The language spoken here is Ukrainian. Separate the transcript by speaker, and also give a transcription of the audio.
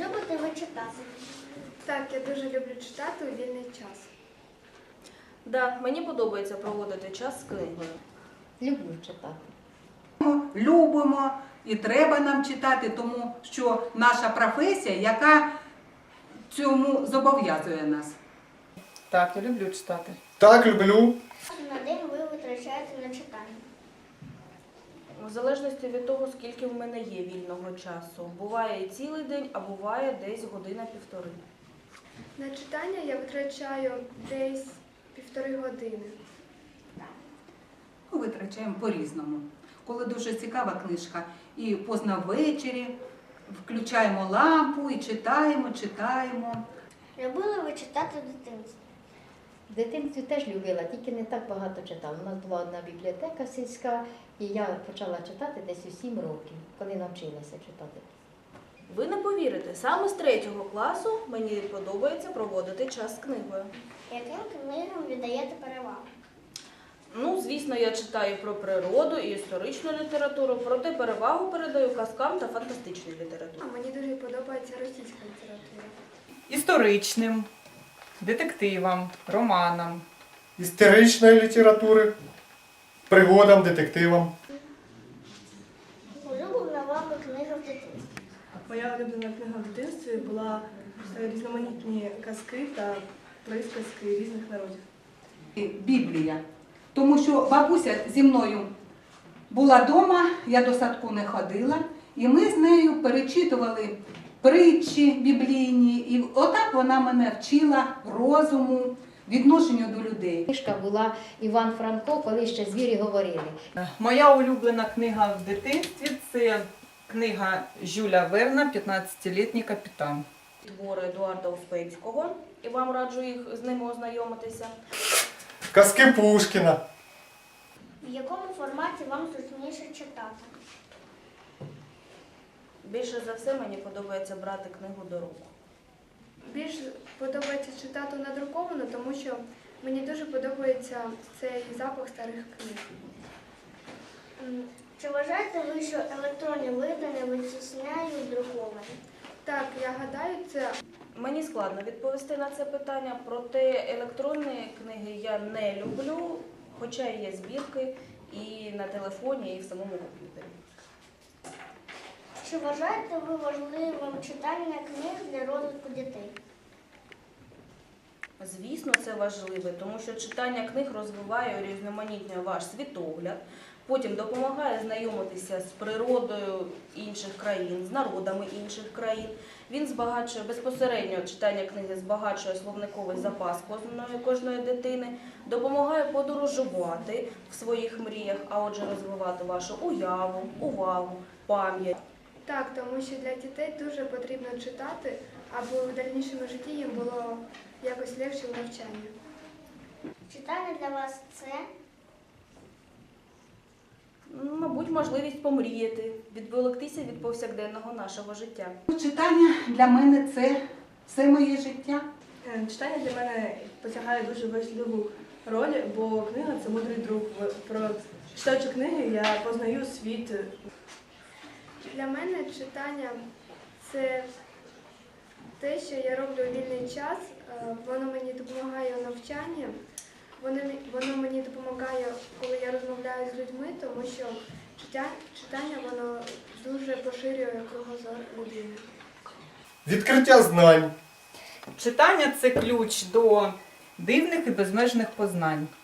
Speaker 1: любите ви читати?
Speaker 2: Так, я дуже люблю читати у вільний час.
Speaker 3: Да, мені подобається проводити час з книгою.
Speaker 4: Люблю читати.
Speaker 5: Любимо і треба нам читати, тому що наша професія, яка цьому зобов'язує нас.
Speaker 6: Так, я люблю читати.
Speaker 7: Так, люблю.
Speaker 1: На день ви витрачаєте на читання?
Speaker 3: В залежності від того, скільки в мене є вільного часу. Буває і цілий день, а буває десь година-півтори.
Speaker 2: На читання я витрачаю десь 1,5 години.
Speaker 5: Ми витрачаємо по-різному. Коли дуже цікава книжка, і поздно ввечері включаємо лампу і читаємо.
Speaker 1: Любили ви читати в дитинстві?
Speaker 4: В дитинстві теж любила, тільки не так багато читала. У нас була одна бібліотека сільська, і я почала читати десь у 7 років, коли навчилася читати.
Speaker 3: Ви не повірите, саме з 3 класу мені подобається проводити час з книгою.
Speaker 1: Яким книгам віддаєте перевагу?
Speaker 3: Ну, звісно, я читаю про природу і історичну літературу, проте перевагу передаю казкам та фантастичній літературі.
Speaker 2: А мені дуже подобається російська література.
Speaker 6: Історичним, детективам, романам.
Speaker 7: Історичної літератури, пригодам, детективам.
Speaker 1: Улюблена вами книга в дитинстві?
Speaker 8: Моя улюблена книга в дитинстві була різноманітні казки та присказки різних народів.
Speaker 5: Біблія. Тому що бабуся зі мною була вдома, я до садку не ходила, і ми з нею перечитували притчі біблійні, і отак вона мене вчила розуму, відношенню до людей.
Speaker 4: Книжка була Іван Франко, коли ще звірі говорили.
Speaker 6: Моя улюблена книга в дитинстві – це книга Жюля Верна «15-літній капітан».
Speaker 3: Твори Едуарда Успенського, і вам раджу їх з ними ознайомитися.
Speaker 7: Казки Пушкіна.
Speaker 1: В якому форматі вам зручніше читати?
Speaker 3: Більше за все мені подобається брати книгу до рук.
Speaker 2: Більш подобається читати надруковану, тому що мені дуже подобається цей запах старих книг.
Speaker 1: Чи вважаєте ви, що електронні видання витісняють друковані?
Speaker 2: Так, я гадаю, це
Speaker 3: Мені складно відповісти на це питання, проте електронні книги я не люблю, хоча і є збірки і на телефоні, і в самому комп'ютері.
Speaker 1: Чи вважаєте ви важливим читання книг для розвитку дітей?
Speaker 3: Звісно, це важливо, тому що читання книг розвиває, урізноманітнює ваш світогляд, потім допомагає знайомитися з природою інших країн, з народами інших країн. Він збагачує, безпосередньо читання книги збагачує словниковий запас кожної дитини, допомагає подорожувати в своїх мріях, а отже розвивати вашу уяву, увагу, пам'ять.
Speaker 2: так, тому що для дітей дуже потрібно читати, аби в дальнішому житті їм було якось легше в навчанні.
Speaker 1: Читання для вас це?
Speaker 3: Мабуть, можливість помріяти, відволіктися від повсякденного нашого життя.
Speaker 5: Читання для мене – це все моє життя.
Speaker 8: Читання для мене посягає дуже важливу роль, бо книга – це мудрий друг. Читаючи книги, я познаю світ.
Speaker 2: Для мене читання – це те, що я роблю у вільний час. Воно мені допомагає у навчанні, воно мені допомагає, коли я розмовляю з людьми, тому що читання воно дуже поширює кругозор людини.
Speaker 7: Відкриття знань.
Speaker 6: Читання – це ключ до дивних і безмежних познань.